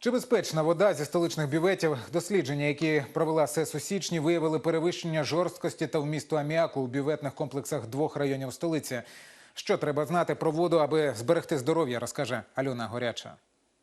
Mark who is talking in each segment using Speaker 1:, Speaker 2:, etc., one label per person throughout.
Speaker 1: Чи безпечна вода зі столичних бюветів? Дослідження, які провела СЕС у січні, виявили перевищення жорсткості та вмісту аміаку у бюветних комплексах 2 районів столиці. Що треба знати про воду, аби зберегти здоров'я, розкаже Альона Горяча.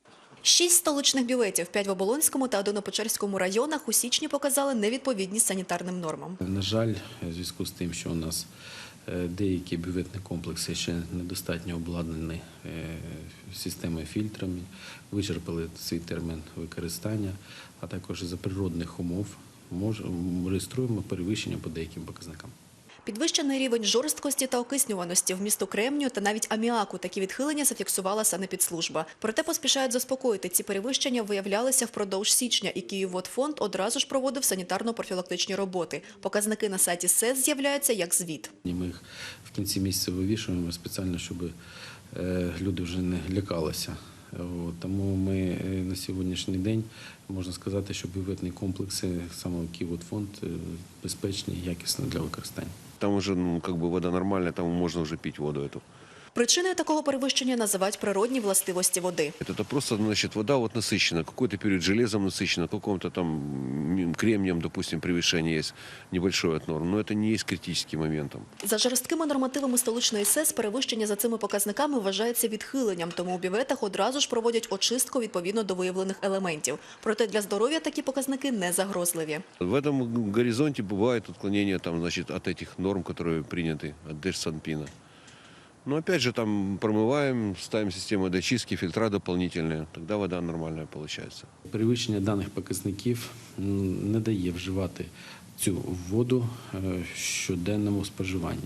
Speaker 2: 6 столичних бюветів, 5 в Оболонському та 1 у Печерському районах у січні показали невідповідність санітарним нормам.
Speaker 3: На жаль, у зв'язку з тим, що у нас деякі бюветні комплекси ще недостатньо обладнані системою фільтрами, вичерпали свій термін використання, а також із-за природних умов реєструємо перевищення по деяким показникам.
Speaker 2: Підвищений рівень жорсткості та окиснюваності, вмісту кремнію та навіть аміаку. Такі відхилення зафіксувала санепідслужба. Проте поспішають заспокоїти. Ці перевищення виявлялися впродовж січня, і Київводфонд одразу ж проводив санітарно-профілактичні роботи. Показники на сайті СЕС з'являються як звіт.
Speaker 3: Ми їх в кінці місяця вивішуємо спеціально, щоб люди вже не лякалися. Тому ми на сьогоднішній день, можна сказати, що бюветні комплекси саме Київводфонд безпечні і якісні для використання.
Speaker 4: Там уже вода нормальная, там можно уже пить воду эту.
Speaker 2: Причиною такого перевищення називають природні властивості води.
Speaker 4: Это просто, вода насыщена, какой-то период железом насыщена, каком-то там кремнием, допустим, превышение есть небольшое от норм, но это не есть критическим моментом.
Speaker 2: За жорсткими нормативами столичної СЕС перевищення за цими показниками вважається відхиленням, тому у бюветах одразу ж проводять очистку відповідно до виявлених елементів. Проте для здоров'я такі показники не загрозливі.
Speaker 4: В этом горизонте бывает отклонение от этих норм, которые приняты от Держсанпина. Но опять же там промываем, ставим систему дочистки, фильтра дополнительные, тогда вода нормальная получается.
Speaker 3: Перевищення даних показників не дає вживати цю воду в щоденному споживанні.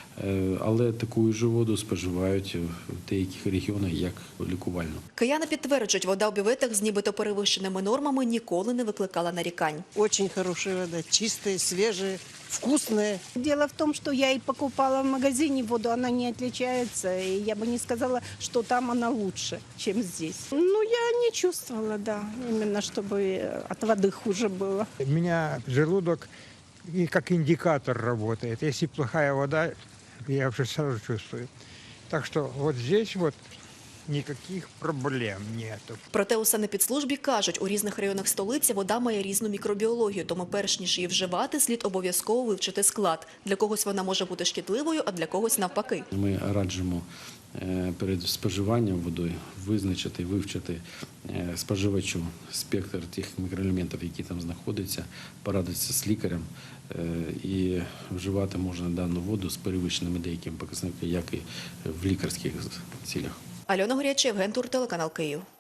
Speaker 3: Але таку ж воду споживають в деяких регіонах як лікувальну.
Speaker 2: Кияни підтверджують, вода у бюветах з нібито перевищеними нормами ніколи не викликала нарікань.
Speaker 5: Очень хорошая вода, чистая, свежая, вкусная.
Speaker 6: Дело в том, что я и покупала в магазине воду, она не отличается, и я бы не сказала, что там она лучше, чем здесь. Ну, я не чувствовала, да, именно чтобы от воды хуже было.
Speaker 7: У меня желудок и как индикатор работает. Если плохая вода, я уже сразу чувствую. Так что вот здесь вот ніяких проблем нету.
Speaker 2: Проте у санепідслужбі кажуть, у різних районах столиці вода має різну мікробіологію, тому перш ніж її вживати, слід обов'язково вивчити склад. Для когось вона може бути шкідливою, а для когось навпаки.
Speaker 3: Ми раджимо перед споживанням водою визначити, вивчити споживачу спектр тих мікроелементів, які там знаходяться, порадитися з лікарем, і вживати можна дану воду з перевищеними деякими показниками, як і в лікарських цілях.
Speaker 2: Альона Горяча, Євген Тур, телеканал Київ.